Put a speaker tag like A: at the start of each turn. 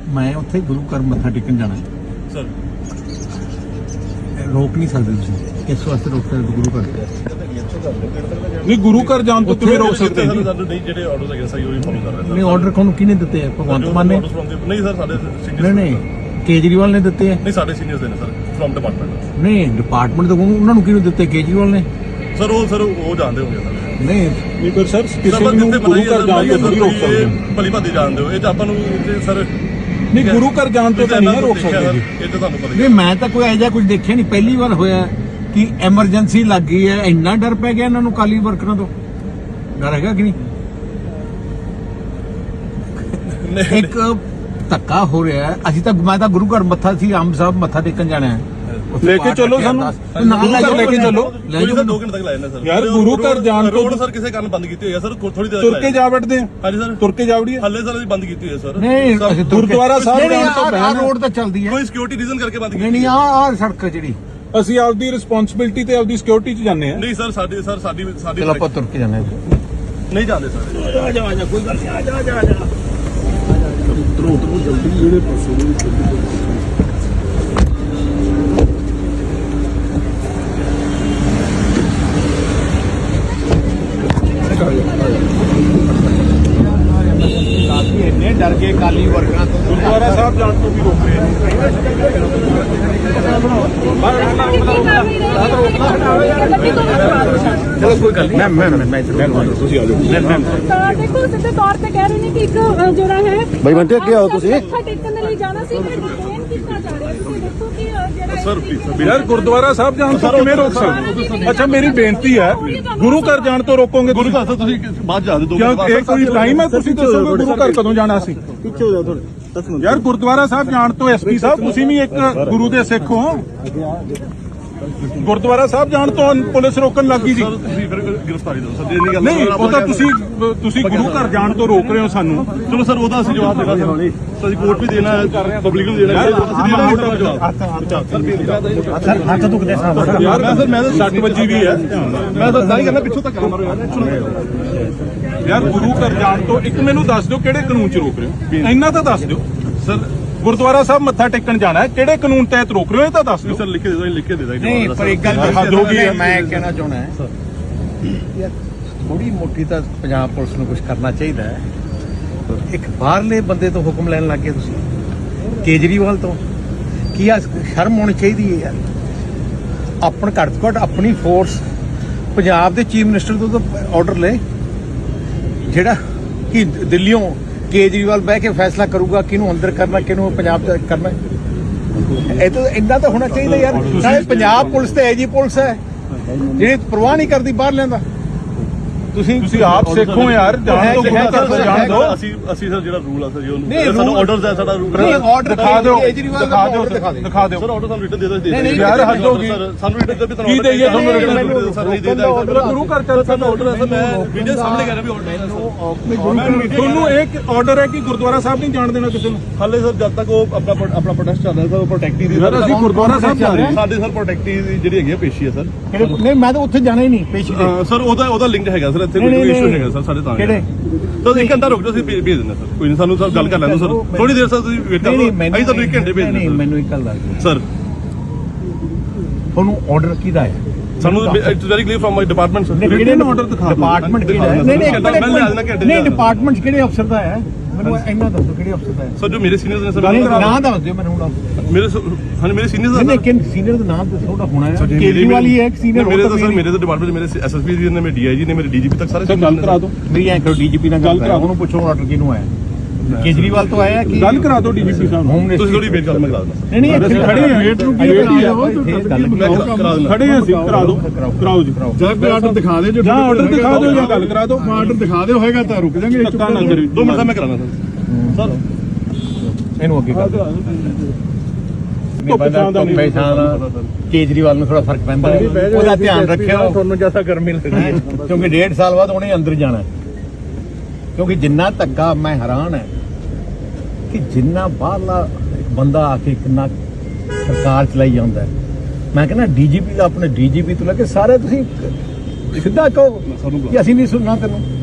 A: मैं उत्थे गुरु घर मत्था टेकन जाना
B: सर
A: रोक नहीं सकते तुसीं इस वास्ते रोक सकते गुरु घर
C: नहीं गुरु घर जान तो किवें रोक सकते हैं
B: ਸਾਨੂੰ ਨਹੀਂ ਜਿਹੜੇ ਆਰਡਰਸ ਹੈਗੇ ਸਹੀ ਉਹੀ ਫੋਲੋ ਕਰ ਰਹੇ
A: नहीं ऑर्डर कौन किने दिते हैं भगवंत मान ने
B: ਨਹੀਂ ਸਰ ਸਾਡੇ
A: नहीं
B: ਸੀਨੀਅਰ
A: नहीं केजरीवाल ने दिते हैं
B: ਨਹੀਂ ਸਾਡੇ ਸੀਨੀਅਰਸ ਦੇ ਨੇ ਸਰ ਫਰਮ ਡਿਪਾਰਟਮੈਂਟ
A: नहीं डिपार्टमेंट तो उन्होंने किहनूं दिते केजरीवाल ने
B: ਸਰ ਉਹ ਜਾਣਦੇ ਹੋਗੇ ਸਰ
A: नहीं
C: नहीं पर सर किसी ਨੂੰ ਗੁਰੂ ਘਰ ਜਾਣ ਤੋਂ ਨਹੀਂ ਰੋਕ ਸਕਦੇ
B: ਭਲੀ ਭਾਦੀ ਜਾਣਦੇ ਹੋ ਇਹ ਤਾਂ ਆਪਾਂ ਨੂੰ ਸਰ
C: नहीं गुरु घर जान तो नहीं रोक सकते जी
B: ਇਹ ਤਾਂ ਤੁਹਾਨੂੰ ਪਤਾ ਹੀ
A: नहीं मैं तो कोई ऐसा कुछ देखिया नहीं पहली बार होया कि एमरजेंसी लग गई है इन्ना डर पै गया इन्होंने काली वर्करां तो डर हैगा कि नहीं एक धक्का हो रहा है असि तो मैं तो गुरु घर मत्था सी आम साहब मत्था टेकन जाना है
C: लेके चलो सानू लेके चलो
B: ਲੈ ਜਾਓ 2 ਘੰਟੇ ਤੱਕ ਲੈ ਜਾਂਦੇ ਸਰ
C: यार गुरु घर जान तो
B: ਰੋਡ ਸਰ ਕਿਸੇ ਕਾਰਨ ਬੰਦ ਕੀਤੀ ਹੋਈ ਹੈ ਸਰ ਥੋੜੀ ਦੇਰ
C: तुर के जा बैठते हैं
B: ਹਾਂਜੀ ਸਰ
C: तुर के जा वड़िए
B: ਹੱਲੇ ਸਰ ਅਸੀਂ ਬੰਦ ਕੀਤੀ ਹੋਈ ਹੈ ਸਰ
A: नहीं
C: गुरुद्वारा साहब जान तो
A: आ रोड तो चलदी है
B: ਕੋਈ ਸਿਕਿਉਰਿਟੀ ਰੀਜ਼ਨ ਕਰਕੇ ਬੰਦ
A: नहीं
B: ਕੀਤੀ
A: नहीं आ सड़क ਜਿਹੜੀ
C: ਅਸੀਂ ਆਪਦੀ ਰਿਸਪੌਂਸਿਬਿਲਟੀ ਤੇ ਆਪਦੀ ਸਿਕਿਉਰਿਟੀ 'ਚ ਜਾਂਦੇ ਆ
B: ਨਹੀਂ ਸਰ ਸਾਡੀ
A: ਚਲ ਆਪਾਂ ਤੁਰ ਕੇ ਜਾਣਾ
B: ਨਹੀਂ ਜਾਂਦੇ ਸਰ
A: ਇੰਨੇ ਡਰ ਗਏ ਕਾਲੀ ਵਰਕਰਾਂ ਤੋਂ
C: ਗੁਰਦੁਆਰਾ ਸਾਹਿਬ ਜਾਣ ਤੋਂ ਵੀ ਰੋਕ ਰਹੇ ਆ
A: ਚਲੋ ਕੋਈ ਗੱਲ ਨਹੀਂ ਮੈਂ
C: ਤੁਸੀਂ ਆ ਜਾਓ
D: ਤਾਂ ਦੇਖੋ ਸਿੱਧੇ ਤੌਰ ਤੇ ਕਹਿ ਰਹੇ ਨੇ ਕਿ ਇੱਕ ਜਿਹੜਾ ਹੈ
E: ਬਾਈ ਬੰਟੇ ਅੱਗੇ ਆਓ ਤੁਸੀਂ
D: ਮੱਥਾ ਟੇਕਣ ਦੇ ਲਈ ਜਾਣਾ ਸੀ ਮੈਂ ਡਿਟੇਨ ਕੀਤਾ ਜਾ ਰਿਹਾ ਤੁਸੀਂ ਦੇਖੋ ਕਿ ਜਿਹੜਾ
B: ਸਰ ਪਲੀਜ਼
C: ਯਾਰ ਗੁਰਦੁਆਰਾ ਸਾਹਿਬ ਜਾਣ ਤੋਂ ਕਿਵੇਂ ਰੋਕ ਸਕਦੇ ਅੱਛਾ ਮੇਰੀ ਬੇਨਤੀ ਹੈ ਗੁਰੂ ਘਰ ਜਾਣ ਤੋਂ ਰੋਕੋਗੇ
B: ਗੁਰੂ ਘਰ ਤੋਂ ਤੁਸੀਂ ਬਾਅਦ ਜਾ ਦਿਓ
C: ਕਿਉਂ ਇਹ ਕੋਈ ਟਾਈਮ ਹੈ ਤੁਸੀਂ ਦੱਸੋਗੇ ਗੁਰੂ ਘਰ ਕਦੋਂ ਜਾਣਾ ਸੀ
E: ਪਿੱਛੇ ਹੋ ਜਾਓ ਥੋੜੇ
C: ਯਾਰ ਗੁਰਦੁਆਰਾ ਸਾਹਿਬ ਜਾਣ ਤੋਂ ਐਸਪੀ ਸਾਹਿਬ ਤੁਸੀਂ ਵੀ ਇੱਕ ਗੁਰੂ ਦੇ ਸਿੱਖ ਹੋ ਗੁਰਦੁਆਰਾ ਸਾਹਿਬ ਜਾਣ ਤੋਂ ਪੁਲਿਸ ਰੋਕਣ ਲੱਗੀ ਸੀ
B: ਸਰ ਤੁਸੀਂ ਫਿਰ ਗ੍ਰਿਫਤਾਰੀ ਦਿਓ ਸਰ ਜੇ ਨਹੀਂ ਗੱਲ
C: ਨਹੀਂ ਉਹ ਤਾਂ ਤੁਸੀਂ ਗੁਰੂ ਘਰ ਜਾਣ ਤੋਂ ਰੋਕ ਰਹੇ ਹੋ ਸਾਨੂੰ
B: ਚਲੋ ਸਰ ਉਹਦਾ ਅਸੀਂ ਜਵਾਬ ਦੇਣਾ ਸਰ ਅਸੀਂ ਕੋਰਟ ਵੀ ਦੇਣਾ ਹੈ ਪਬਲਿਕ ਨੂੰ ਦੇਣਾ ਹੈ ਅਸੀਂ ਦੇਣਾ ਜਵਾਬ
A: ਸਰ ਹੱਥ ਦੁਖਦੇ ਸਾਹਿਬ
C: ਯਾਰ ਮੈਂ ਤਾਂ 60 ਵਜੇ ਵੀ ਹੈ
B: ਮੈਂ ਤਾਂ ਨਹੀਂ ਕਰਨਾ ਪਿੱਛੋਂ ਤੱਕ ਮਾਰੋ
C: ਯਾਰ ਗੁਰੂ ਘਰ ਜਾਣ ਤੋਂ ਇੱਕ ਮੈਨੂੰ ਦੱਸ ਦਿਓ ਕਿਹੜੇ ਕਾਨੂੰਨ 'ਚ ਰੋਕ ਰਹੇ ਹੋ ਇੰਨਾ ਤਾਂ ਦੱਸ ਦਿਓ
B: ਸਰ
C: ਗੁਰਦੁਆਰਾ ਸਾਹਿਬ ਮੱਥਾ ਟੇਕਣ ਜਾਣਾ ਹੈ ਕਿਹੜੇ ਕਾਨੂੰਨ ਤਹਿਤ ਰੋਕ ਰਹੇ ਹੋ ਇਹ ਤਾਂ ਦੱਸ ਦਿਓ
B: ਸਰ ਲਿਖ ਕੇ ਦੇ ਦੋ ਲਿਖ ਕੇ ਦੇ ਦਾਂਗੇ
A: ਨਹੀਂ ਪਰ ਇੱਕ ਗੱਲ
C: ਹੱਦ ਹੋ ਗਈ ਹੈ।
A: ਮੈਂ ਕਹਿਣਾ ਚਾਹੁੰਦਾ ਹੈ ਯਾਰ ਥੋੜੀ ਮੋਟੀ ਤਾਂ ਪੰਜਾਬ ਪੁਲਿਸ ਨੂੰ ਕੁਝ ਕਰਨਾ ਚਾਹੀਦਾ ਹੈ ਇੱਕ ਬਾਹਰਲੇ ਬੰਦੇ ਤੋਂ ਹੁਕਮ ਲੈਣ ਲੱਗੇ ਤੁਸੀਂ ਕੇਜਰੀਵਾਲ ਤੋਂ ਕੀ ਆ ਸ਼ਰਮ ਹੋਣੀ ਚਾਹੀਦੀ ਹੈ ਯਾਰ ਆਪਣ ਘੱਟ ਤੋਂ ਘੱਟ ਆਪਣੀ ਫੋਰਸ ਪੰਜਾਬ ਦੇ ਚੀਫ ਮਿਨਿਸਟਰ ਤੋਂ ਤਾਂ ਆਰਡਰ ਲੈ ਜਿਹੜਾ ਕਿ ਦਿੱਲੀੋਂ ਕੇਜਰੀਵਾਲ ਬਹਿ ਕੇ ਫੈਸਲਾ ਕਰੂਗਾ ਕਿਹਨੂੰ ਅੰਦਰ ਕਰਨਾ ਕਿਹਨੂੰ ਪੰਜਾਬ ਚ ਕਰਨਾ ਇਹ ਤਾਂ ਇੰਨਾ ਤਾਂ ਹੋਣਾ ਚਾਹੀਦਾ ਯਾਰ ਸਾਰੇ ਪੰਜਾਬ ਪੁਲਿਸ ਤੇ ਐਜੀ ਪੁਲਿਸ ਹੈ ਜਿਹੜੀ ਪਰਵਾਹ ਨਹੀਂ ਕਰਦੀ ਬਾਹਰ ਲੈਂਦਾ
C: ਤੁਸੀਂ ਆਪ ਸਿੱਖੋ ਯਾਰ ਜਾਣ ਤੋਂ ਗੁਰੂ ਘਰ ਤੋਂ ਜਾਣ ਦਿਓ
B: ਅਸੀਂ ਸਰ ਜਿਹੜਾ ਰੂਲ ਆ ਸਰ ਜੀ
A: ਨਹੀਂ,
B: ਉਹਨੂੰ ਸਾਨੂੰ
A: rule-
B: ਆਰਡਰਸ ਹੈ ਸਾਡਾ ਰੂਲ
A: ਨਹੀਂ ਆਰਡਰ
C: ਦਿਖਾ ਦਿਓ
A: ਕੇਜਰੀਵਾਲ
C: ਦਿਖਾ ਦਿਓ
A: ਦਿਖਾ ਦਿਓ
C: ਦਿਖਾ ਦਿਓ
B: ਸਰ ਆਰਡਰ ਸਾਨੂੰ ਰਿਟਨ ਦੇ ਦੋ
A: ਨਹੀਂ,
C: ਯਾਰ ਹੱਦ ਹੋ ਗਈ
B: ਸਾਨੂੰ ਰਿਟਨ ਦੇ ਵੀ
C: ਕੀ ਦੇਈਏ ਤੁਹਾਨੂੰ
B: ਰਿਟਨ ਸਰ ਨਹੀਂ ਦੇ
C: ਮੇਰਾ ਗੁਰੂ ਘਰ ਚੱਲ
B: ਸਾਡਾ ਆਰਡਰ ਹੈ ਸਰ ਮੈਂ ਵੀਡੀਓ ਸਾਹਮਣੇ ਕਰ ਰਿਹਾ ਵੀ ਆਰਡਰ ਹੈ
C: ਤੁਹਾਨੂੰ ਇੱਕ ਆਰਡਰ ਹੈ ਕਿ ਗੁਰਦੁਆਰਾ ਸਾਹਿਬ ਨਹੀਂ ਜਾਣ ਦੇਣਾ ਕਿਸੇ ਨੂੰ
B: ਹਾਲੇ ਸਰ ਜਦ ਤੱਕ ਉਹ ਆਪਣਾ ਪ੍ਰੋਟੈਸਟ ਚੱਲ ਰਿਹਾ ਸਰ ਉਹ ਪ੍ਰੋਟੈਕਟੀ ਦੀ
C: ਯਾਰ ਅਸੀਂ ਗੁਰਦੁਆਰਾ ਸਾਹਿਬ ਜਾ ਰਹੇ ਹਾਂ
B: ਸਾਡੇ ਸਰ ਪ੍ਰੋਟੈਕਟੀ ਦੀ ਜਿਹੜੀ ਹੈਗੀ ਆ ਪੇਸ਼ੀ ਹੈ ਸਰ
A: ਨਹੀਂ ਮੈਂ ਤਾਂ ਉੱਥੇ ਜਾਣਾ ਹੀ ਨਹੀਂ ਪੇਸ਼ੀ ਤੇ
B: ਸਰ ਉਹਦਾ ਲਿੰਕ ਹੈਗਾ ਸਰ ਇੱਥੇ
A: ਨਹੀਂ,
B: ਕੋਈ
A: ਨਹੀਂ,
B: ਇਸ਼ੂ ਹੈਗਾ ਸਰ ਸਾਡੇ ਤਾਂ
A: ਕਿਹੜੇ?
B: ਤਾਂ ਇੱਕ ਘੰਟਾ ਰੁਕ ਜਾਓ ਅਸੀਂ ਭੇਜ ਦਿੰਦੇ ਸਰ ਕੋਈ ਨਹੀਂ ਸਾਨੂੰ ਸਰ ਗੱਲ ਕਰ ਲੈਣ ਦਿਓ ਸਰ ਥੋੜੀ ਦੇਰ ਸਰ ਤੁਸੀਂ ਵੇਟ ਕਰੋ ਅਸੀਂ ਤੁਹਾਨੂੰ 1 ਘੰਟੇ ਭੇਜ
A: ਨਹੀਂ
B: ਦਿੰਦੇ
A: ਮੈਨੂੰ ਇੱਕ ਗੱਲ ਦੱਸ ਦਿਓ
B: ਸਰ
A: ਤੁਹਾਨੂੰ ਆਰਡਰ ਕਿਹਦਾ ਹੈ
B: ਸਾਨੂੰ it's very clear from my department sir
C: ਕਿਹੜੇ ਨੂੰ ਆਰਡਰ ਦਿਖਾ ਦਿਓ
A: ਡਿਪਾਰਟਮੈਂਟ ਕਿਹੜਾ ਹੈ
B: ਨਹੀਂ, ਮੈਂ ਲੈ ਜਾਣਾ ਘੰਟੇ
A: ਨਹੀਂ ਡਿਪਾਰਟਮੈਂਟ ਕਿਹੜੇ ਅਫਸਰ ਦਾ ਹੈ ਮੈਨੂੰ ਇੰਨਾ ਦੱਸੋ ਕਿਹੜੇ ਅਫਸਰ ਦਾ ਹੈ
B: ਸਰ ਜੋ ਮੇਰੇ ਸੀਨੀਅਰਸ ਨੇ
A: ਨਹੀਂ
B: ਸਰ
A: ਨਾਂ ਦੱਸ ਦਿਓ ਮੈਨੂੰ ਹੁਣ
B: ਮੇਰੇ ਹਾਂਜੀ ਮੇਰੇ ਸੀਨੀਅਰਸ
A: ਨਹੀਂ ਲੇਕਿਨ ਸੀਨੀਅਰ ਦਾ ਨਾਮ ਤਾਂ ਥੋੜਾ ਹੋਣਾ ਹੈ ਕੇਜਰੀਵਾਲ ਹੀ ਹੈ ਇੱਕ ਸੀਨੀਅਰ
B: ਮੇਰੇ ਤਾਂ ਸਰ ਮੇਰੇ ਤਾਂ ਡਿਪਾਰਟਮੈਂਟ ਮੇਰੇ ਐਸਐਸਪੀ ਜੀ ਨੇ ਮੇਰੇ ਡੀਆਈਜੀ ਨੇ ਮੇਰੇ ਡੀਜੀਪੀ ਤੱਕ ਸਾਰੇ
C: ਸਰ ਗੱਲ ਕਰਾ ਦਿਓ
A: ਮੇਰੀ ਐਂ ਕਰੋ ਡੀਜੀਪੀ ਨਾਲ ਗੱਲ ਕਰਾ ਉਹਨੂੰ ਪੁੱਛੋ ਆਰਡਰ ਕਿਹਨੂੰ ਆਇਆ ਕੇਜਰੀਵਾਲ ਤੋਂ ਆਇਆ ਕਿ
C: ਗੱਲ ਕਰਾ ਦਿਓ ਡੀਜੀਪੀ ਸਾਹਿਬ ਨੂੰ
A: ਹੋਮ
B: ਤੁਸੀਂ ਥੋੜੀ ਵੇਟ ਕਰੋ ਮੈਂ ਕਰਾ ਦਿੰਦਾ
A: ਨਹੀਂ ਨਹੀਂ ਇੱਥੇ
C: ਖੜੇ ਹਾਂ ਵੇਟ ਨੂੰ ਕੀ
B: ਕਰਾ ਦਿੰਦਾ
C: ਖੜੇ ਹਾਂ ਅਸੀਂ ਕਰਾ ਦਿਓ ਕਰਾਓ ਜੀ
E: ਜਾਂ ਕੋਈ ਆਰਡਰ ਦਿਖਾ ਦੇ ਜੋ
C: ਜਾਂ ਆਰਡਰ ਦਿਖਾ ਦਿਓ ਜਾਂ ਗੱਲ ਕਰਾ ਦਿਓ
E: ਆਰਡਰ ਦਿਖਾ ਦਿਓ ਹੋਏਗਾ ਤਾਂ ਰੁਕ ਜਾਾਂਗੇ
C: ਧੱਕਾ ਨਾ ਕਰੀ
B: 2 ਮਿੰਟ ਦਾ ਮੈਂ ਕਰਾਣਾ ਸਰ
A: ਇਹਨੂੰ ਅੱਗੇ ਕਰ ਕੇਜਰੀਵਾਲ ਨੂੰ ਥੋੜਾ ਫਰਕ ਪੈਂਦਾ ਉਹਦਾ ਧਿਆਨ ਰੱਖਿਓ ਤੁਹਾਨੂੰ ਜਿਆਦਾ ਗਰਮੀ ਲੱਗਦੀ ਕਿਉਂਕਿ 1.5 ਸਾਲ ਬਾਅਦ ਉਹਨੇ ਅੰਦਰ ਜਾਣਾ ਕਿਉਂਕਿ ਜਿੰਨਾ ਧੱਕਾ ਮੈਂ ਹੈਰਾਨ ਹੈ ਕਿ ਜਿੰਨਾ ਬਾਹਰਲਾ ਬੰਦਾ ਆ ਕੇ ਕਿੰਨਾ ਸਰਕਾਰ ਚਲਾਈ ਜਾਂਦਾ ਮੈਂ ਕਹਿੰਦਾ ਡੀਜੀਪੀ ਦਾ ਆਪਣੇ ਡੀਜੀਪੀ ਤੋਂ ਲੈ ਕੇ ਸਾਰੇ ਤੁਸੀਂ ਸਿੱਧਾ ਕਹੋ ਕਿ ਅਸੀਂ ਨਹੀਂ ਸੁਣਨਾ ਤੈਨੂੰ